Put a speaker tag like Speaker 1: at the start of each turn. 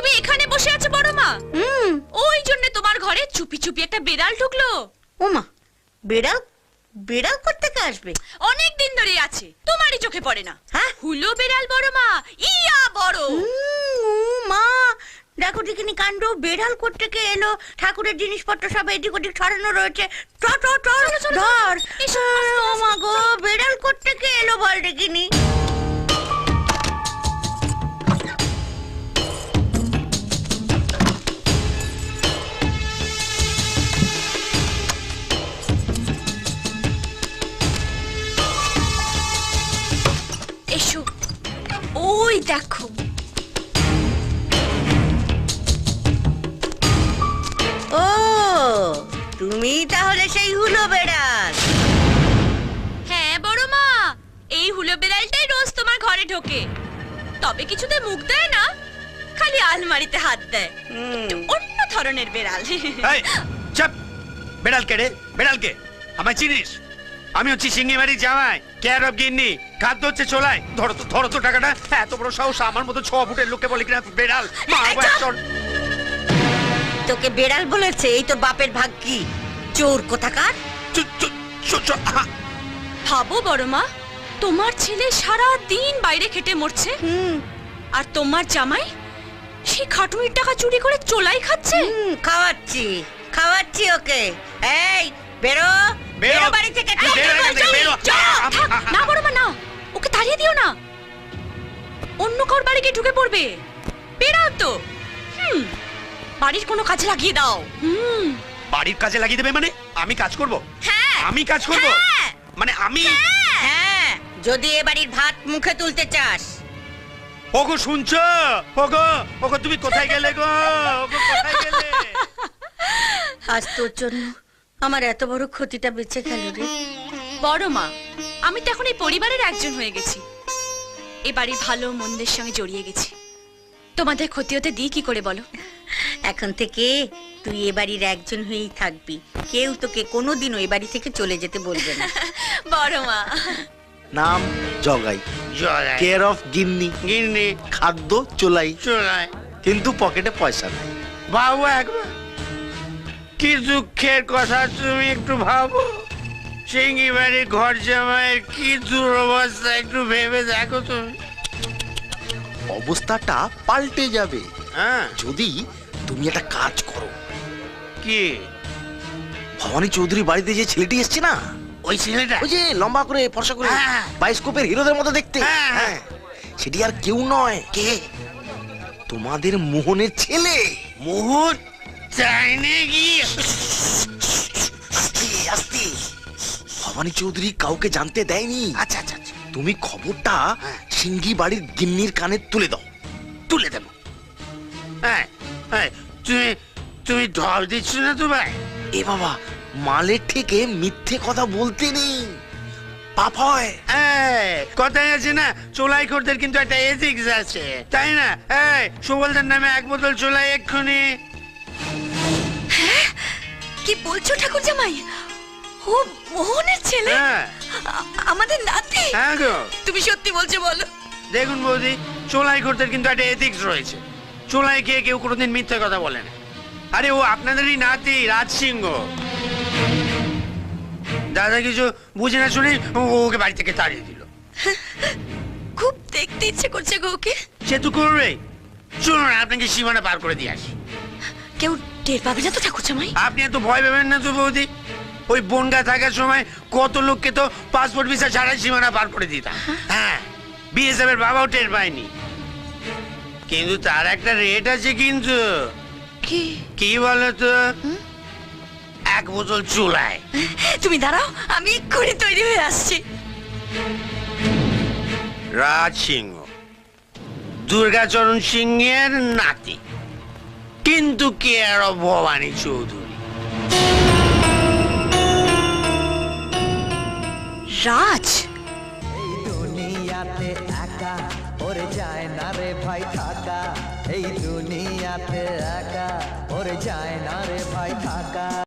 Speaker 1: তুমি এখানে বসে আছো বড় মা? ওই জন্য তোমার ঘরে চুপি চুপি একটা বেড়াল ঢুকলো।
Speaker 2: ওমা, বেড়াল? বেড়াল কোত্থেকে আসবে?
Speaker 1: অনেক দিন ধরে আছে, তোমারই চোখে পড়ে না।
Speaker 2: হ্যাঁ,
Speaker 1: হুলো বেড়াল বড় মা, ইয়া বড়।
Speaker 2: ও মা, দেখো দেখিনি কাণ্ড। বেড়াল কোত্থেকে এলো? ঠাকুরের জিনিসপত্র সব এদিক ওদিক ছড়ানো রয়েছে। ধর। ও মা গো, বেড়াল কোত্থেকে এলো বল দেখিনি।
Speaker 1: এসো, ওই দেখো।
Speaker 2: ও, তুমি তাহলে সেই হুলো বেড়াল?
Speaker 1: হ্যাঁ বড় মা, এই হুলো বেড়ালটাই রোজ তোমার ঘরে ঢোকে। তবে কিছুতে মুখ দেয় না, খালি আলমারিতে হাত দেয়। অন্য ধরনের বেড়াল।
Speaker 3: এই চুপ! বেড়াল কে রে? বেড়াল কে? আমায় চিনিস? আমি হচ্ছি সিঙ্গিমারি জামাই, কেয়ার অফ গিন্নি। খাদ্য হচ্ছে চোলাই। ধরো তো টাকাটা। এত বড় সাহস আমার মতো 6 ফুটের লোককে বলে কিনা বেড়াল? মারবো একজন।
Speaker 2: তোকে বেড়াল বলেছে? এই তোর বাপের ভাগ কি? চোর কোথাকার!
Speaker 1: ভাবো বড় মা, তোমার ছেলে সারা দিন বাইরে খেটে মরছে, আর তোমার জামাই সেই খাটুনির টাকা চুরি করে চোলাই খাচ্ছে।
Speaker 2: খাওয়াচ্ছি ওকে। এই বেরো, বেরো বাড়ি থেকে।
Speaker 1: না বড় মা, না, ওকে তাড়িয়ে দিও না। অন্য কার বাড়ি গিয়ে ঢুকে পড়বে। বেড়াল তো। বাড়ির কোনো কাজে লাগিয়ে দাও।
Speaker 3: বাড়ির কাজে লাগিয়ে দেবে মানে? আমি কাজ করব?
Speaker 1: হ্যাঁ,
Speaker 3: আমি কাজ করব? মানে আমি?
Speaker 2: হ্যাঁ, যদি এ বাড়ির ভাত মুখে তুলতে চাস।
Speaker 3: ওগো শুনছো? ওগো তুমি কোথায় গেলে গো? ওগো কোথায় গেলে?
Speaker 2: আজ তোর জন্য আমার এত বড় ক্ষতিটা বেঁচে গেল রে।
Speaker 1: বড় মা, আমি তো এখন এই পরিবারের একজন হয়ে গেছি। এ বাড়ির ভালো মন্দের সঙ্গে জড়িয়ে গেছি। তোমাদের ক্ষতি হতে দিই কি করে বলো?
Speaker 2: এখন থেকে তুই এ বাড়ির একজন হয়েই থাকবি। কেউ তোকে কোনোদিনও এ বাড়ি থেকে চলে যেতে বলবে না।
Speaker 1: বড় মা।
Speaker 4: নাম জগাই, কেয়ার অফ গিন্নি।
Speaker 3: গিন্নি
Speaker 4: খাদ্য চোলাই।
Speaker 3: চোলাই।
Speaker 4: কিন্তু পকেটে পয়সা নাই।
Speaker 3: বাবু একবার কি দুঃখের কথা, তুমি একটু ভাবো। সিঙ্গি বাড়ির ঘর জামাইয়ের কি দুরবস্থা, একটু ভেবে দেখো তুমি।
Speaker 4: অবস্থাটা পাল্টে যাবে
Speaker 3: হ্যাঁ,
Speaker 4: যদি তুমি একটা কাজ করো।
Speaker 3: কি?
Speaker 4: ভবানী চৌধুরী বাড়িতে যে ছেলেটি এসছে না,
Speaker 3: ওই ছেলেটা?
Speaker 4: ওই যে লম্বা করে ফর্সা করে
Speaker 3: হ্যাঁ।
Speaker 4: বায়োস্কোপের হিরোদের মতো দেখতে।
Speaker 3: হ্যাঁ।
Speaker 4: হ্যাঁ, সেটি আর কেউ নয়। কে? তোমাদের মোহনের ছেলে।
Speaker 3: মোহন? তাই নাকি?
Speaker 4: আস্তে আস্তে, ভবানী চৌধুরী কাউকে জানতে দেয়নি।
Speaker 3: আচ্ছা আচ্ছা আচ্ছা,
Speaker 4: তুমি খবরটা সিঙ্গি বাড়ির গিন্নির কানে তুলে দাও।
Speaker 3: তুলে দেবো। হ্যাঁ হ্যাঁ, তুমি ঢল দিচ্ছ না তো ভাই?
Speaker 4: এ বাবা, মালের থেকে মিথ্যে কথা বলতে নেই, পাপ হয়।
Speaker 3: কথাই আছে না, চোলাই খোরদের কিন্তু একটা এথিক্স আছে, তাই না? সুবলদার নামে 1 বোতল চোলাই এক্ষুনি।
Speaker 1: কি বলছো ঠাকুর জামাই? ও মোহনের ছেলে?
Speaker 3: হ্যাঁ
Speaker 1: আমাদের নাতি?
Speaker 3: হ্যাঁ গো।
Speaker 1: তুমি সত্যি বলছো বলো?
Speaker 3: দেখুন বৌদি, চোলাই খোরদের কিন্তু একটা এথিক্স রয়েছে। চোলাই খেয়ে কেউ কোনোদিন মিথ্যে কথা বলে না। আরে ও আপনাদেরই নাতি রাজ সিংহ। দাদা কিছু বুঝে না শুনে ওকে বাড়ি থেকে তাড়িয়ে দিল।
Speaker 1: খুব দেখতে ইচ্ছে করছে গো ওকে।
Speaker 3: সে তো করবে। চলুন আপনাকে সীমানা পার করে দিয়ে আসি।
Speaker 1: কেউ টের পাবে না তো ঠাকুর জামাই?
Speaker 3: আপনি এত ভয় পাবেন না তো বৌদি। ওই বনগা থাকার সময় কত লোককে তো পাসপোর্ট ভিসা ছাড়াই সীমানা পার করে দিতাম। হ্যাঁ, বিএসএফ এর বাবাও টের পায়নি। কিন্তু তার একটা রেট আছে কিন্তু।
Speaker 1: কি?
Speaker 3: কি বলো তো? 1 বোতল চুলায়।
Speaker 1: তুমি দাঁড়াও, আমি এক্ষুনি তৈরি হয়ে আসছি।
Speaker 3: রাজ সিংহ, দুর্গাচরণ সিংহের নাতি, কিন্তু কেয়ার অফ ভবানী চৌধুরী।
Speaker 1: রাজ?
Speaker 5: এই দুনিয়াতে একা ওরে যায় না রে ভাই থাকা। এই দুনিয়াতে একা ওরে যায় না রে ভাই থাকা।